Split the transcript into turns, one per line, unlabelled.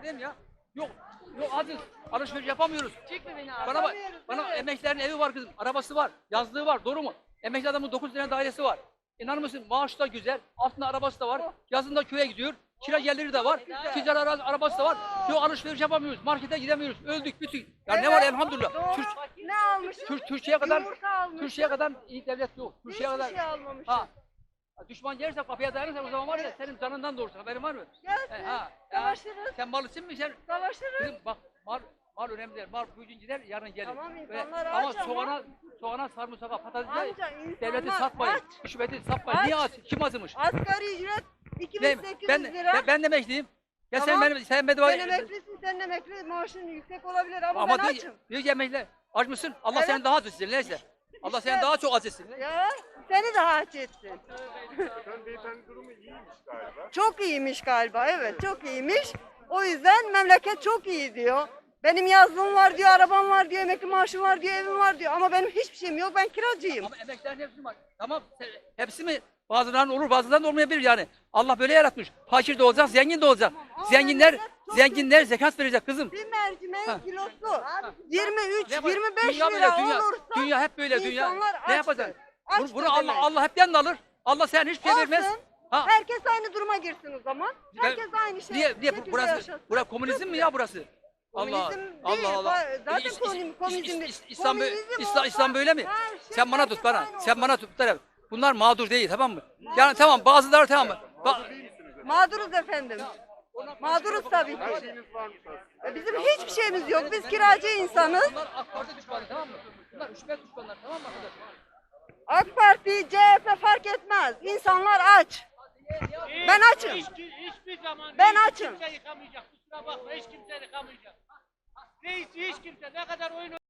Neredeyim ya? Yok. Yok aziz. Alışveriş yapamıyoruz.
Çekme beni abi.
Bana bak. Bana emeklilerin evi var kızım. Arabası var. Yazlığı var. Doğru mu? Emekli adamın 9 tane dairesi var. İnanır mısın? Maaşı da güzel. Altında arabası da var. Yazında köye gidiyor. Kira geliri de var. Ticari arabası da var. Yok alışveriş yapamıyoruz. Markete gidemiyoruz. Öldük bütün. Ya ne var elhamdülillah.
Doğru. Ne almışsın?
Türkiye'ye kadar
Yumurta almışsın.
Türkiye'ye kadar iyi devlet yok. Türkiye'ye
Hiçbir
kadar
şey almamışsın.
ha. Düşman gelirse kapıya dayanırsa o zaman var ya senin canından doğursun. Haberin var mı?
Gelsin.
Ha.
Savaşırız.
Sen malısın mı sen?
Savaşırız.
Kızım bak mal önemli değil. Mal bugün gider yarın gelir.
Tamam,
Ve-
insanlar
ama
aç ama.
soğana sarımsağa patatese
Amca insanlar
devleti satmayın.
aç.
Hükümeti satmayın.
Aç.
Niye aç? Kim azmış?
Asgari ücret
Değil mi?
2800 lira.
Ben de emekliyim. Ya
Tamam.
sen bedava...
Sen emeklisin, sen emekli maaşın yüksek olabilir ama,
Ama
ben
diyor,
açım.
diyor ki emekli. Aç mısın? Allah
Evet.
seni daha aç etsin. Neyse. Allah
İşte-
seni daha çok aç etsin.
Ya seni de aç etsin.
Sen beyefendi durumu iyiymiş galiba.
Çok iyiymiş galiba, evet çok iyiymiş. O yüzden memleket çok iyi diyor. Benim yazlığım var diyor, arabam var diyor, emekli maaşım var diyor, evim var diyor. Ama benim hiçbir şeyim yok, ben kiracıyım.
Ama emeklilerin hepsi var. Tamam. Hepsi mi? Bazılarının olur, bazılarının olmayabilir yani. Allah böyle yaratmış. Fakir de olacak, zengin de olacak.
Ama
Zenginler
memleket çok
zenginler zekat verecek kızım.
Bir mercimeğin
Ha.
kilosu 23,
Ne var?
25
Dünya
lira
böyle,
olursa
dünya hep böyle dünya.
insanlar
Ne
açtır.
yapacaksın?
Açtır
Bunu Allah
demek.
Allah hepten de alır. Allah sen hiçbir şey vermez.
Olsun.
Ha.
Herkes aynı duruma girsin o zaman. Herkes aynı şey.
Niye
şekilde
burası
yaşasın.
burası komünizm mi ya burası? Allah
Komünizm değil,
Allah Allah.
zaten komünizm değil.
İslam
Komünizm
İslam böyle mi?
her şey
Sen bana
herkes
tut bana.
aynı
Sen
olur.
bana tut. Bunlar mağdur değil tamam mı? Yani tamam bazıları tamam mı?
Mağduruz efendim. Mağduruz tabii
Her
ki.
şeyiniz varmış aslında.
Bizim hiçbir şeyimiz yok. Biz kiracı insanız.
Bunlar AK Parti düşmanı tamam mı? Bunlar hükümet düşmanları tamam mı arkadaşlar?
AK Parti, CHP fark etmez. İnsanlar aç. Ben açım.
Hiçbir zaman
Ben
hiç
açım.
kimse yıkamayacak. Kusura bakma hiç kimse yıkamayacak. Hiç kimse ne kadar oyun